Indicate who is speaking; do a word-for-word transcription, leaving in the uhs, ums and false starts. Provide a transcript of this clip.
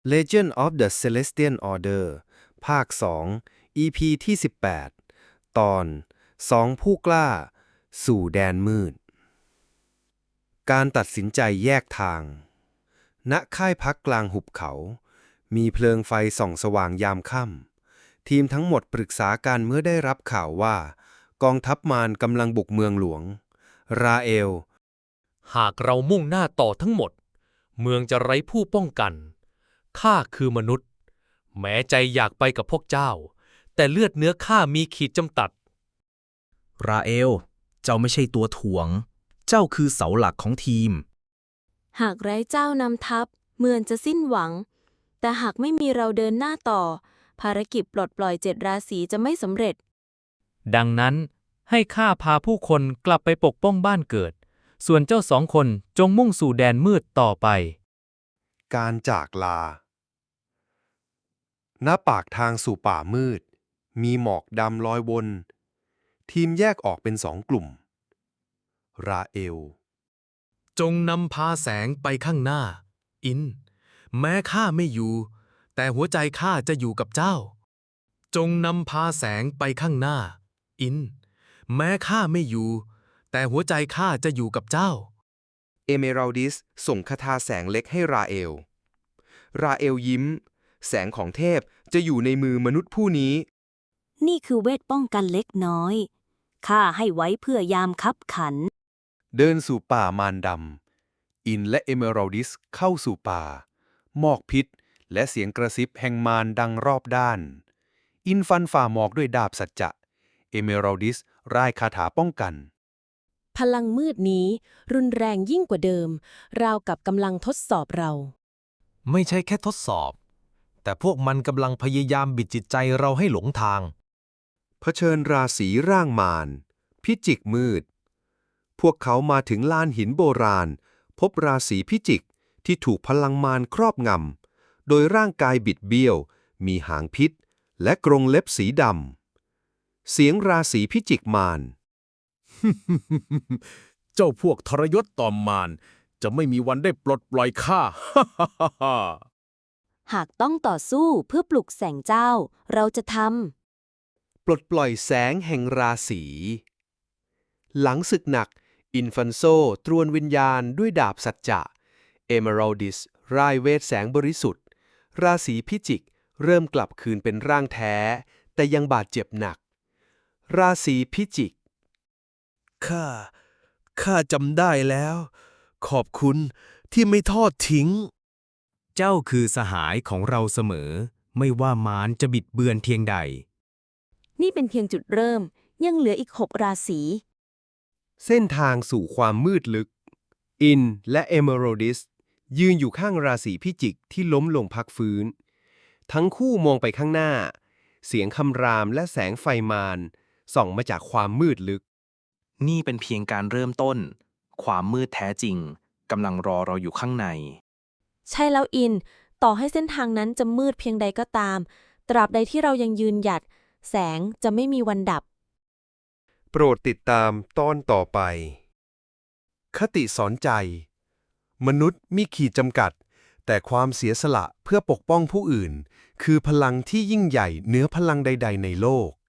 Speaker 1: Legend of the Celestial Order ภาค สอง อี พี ที่ สิบแปด ตอน สอง ผู้กล้า สู่แดนมืด การตัดสินใจแยกทาง ณ ค่ายพักกลางหุบเขา มีเพลิงไฟส่องสว่างยามค่ำ ทีมทั้งหมดปรึกษากันเมื่อได้รับข่าวว่า กองทัพมารกำลังบุกเมืองหลวง ราเอล
Speaker 2: หากเรามุ่งหน้าต่อทั้งหมด เมืองจะไร้ผู้ป้องกันข้าคือมนุษย์ แม้ใจอยากไปกับพวกเจ้า แต่เลือดเนื้อข้ามีขีดจำกัด
Speaker 3: ราเอล เจ้าไม่ใช่ตัวถ่วง เจ้าคือเสาหลักของทีม
Speaker 4: หากไร้เจ้านำทัพเมืองจะสิ้นหวัง แต่หากไม่มีเราเดินหน้าต่อ ภารกิจปลดปล่อยเจ็ดราศีจะไม่สำเร็จ
Speaker 2: ดังนั้นให้ข้าพาผู้คนกลับไปปกป้องบ้านเกิด ส่วนเจ้าสองคนจงมุ่งสู่แดนมืดต่อไป
Speaker 1: การจากลา ณ ปากทางสู่ป่ามืด มีหมอกดำลอยวน ทีมแยกออกเป็นสองกลุ่ม ราเอล
Speaker 2: จงนำพาแสงไปข้างหน้า อิน แม้ข้าไม่อยู่ แต่หัวใจข้าจะอยู่กับเจ้า จงนำพาแสงไปข้างหน้า อิน แม้ข้าไม่อยู่ แต่หัวใจข้าจะอยู่กับเจ้า
Speaker 1: เอเมรัลดิสส่งคาถาแสงเล็กให้ราเอล ราเอลยิ้ม แสงของเทพจะอยู่ในมือมนุษย์ผู้นี้
Speaker 4: นี่คือเวทป้องกันเล็กน้อย ข้าให้ไว้เพื่อยามคับขัน
Speaker 1: เดินสู่ป่ามารดำ อินและเอเมรัลดิสเข้าสู่ป่า หมอกพิษและเสียงกระซิบแห่งมารดังรอบด้าน อินฟันฝ่าหมอกด้วยดาบสัจจะ เอเมรัลดิสร่ายคาถาป้องกัน
Speaker 4: พลังมืดนี้รุนแรงยิ่งกว่าเดิม ราวกับกำลังทดสอบเรา
Speaker 5: ไม่ใช่แค่ทดสอบ แต่พวกมันกำลังพยายามบิดจิตใจเราให้หลงทาง
Speaker 1: เผชิญราศีร่างมาร พิจิกมืด พวกเขามาถึงลานหินโบราณ พบราศีพิจิกที่ถูกพลังมารครอบงำ โดยร่างกายบิดเบี้ยว มีหางพิษ และกรงเล็บสีดำ เสียงราศีพิจิกมาร
Speaker 6: เจ้าพวกทรยศต่อมารจะไม่มีวันได้ปลดปล่อยข้า
Speaker 4: หากต้องต่อสู้เพื่อปลุกแสงเจ้า เราจะท
Speaker 1: ปลดปล่อยแสงแห่งราศี หลังศึกหนัก อินฟันโซตรวนวิญญาณด้วยดาบสัจจะ เอเมรัลดิสร่ายเวทแสงบริสุทธิ์ ราศีพิจิกเริ่มกลับคืนเป็นร่างแท้ แต่ยังบาดเจ็บหนัก ราศีพิจิก
Speaker 6: ข้า ข้าจำได้แล้ว ขอบคุณที่ไม่ทอดทิ้ง
Speaker 3: เจ้าคือสหายของเราเสมอ ไม่ว่ามารจะบิดเบือนเพียงใด
Speaker 4: ำ นี่เป็นเพียงจุดเริ่ม ยังเหลืออีกหกราศี
Speaker 1: เส้นทางสู่ความมืดลึก อินและเอเมอรัลดิสยืนอยู่ข้างราศีพิจิกที่ล้มลงพักฟื้น ทั้งคู่มองไปข้างหน้า เสียงคำรามและแสงไฟมารส่องมาจากความมืดลึก
Speaker 3: นี่เป็นเพียงการเริ่มต้น ความมืดแท้จริงกำลังรอเราอยู่ข้างใน
Speaker 4: ใช่แล้วอิน ต่อให้เส้นทางนั้นจะมืดเพียงใดก็ตาม ตราบใดที่เรายังยืนหยัด แสงจะไม่มีวันดับ
Speaker 1: โปรดติดตามตอนต่อไป คติสอนใจ มนุษย์มีขีดจำกัด แต่ความเสียสละเพื่อปกป้องผู้อื่น คือพลังที่ยิ่งใหญ่เหนือพลังใด ๆ ในโลก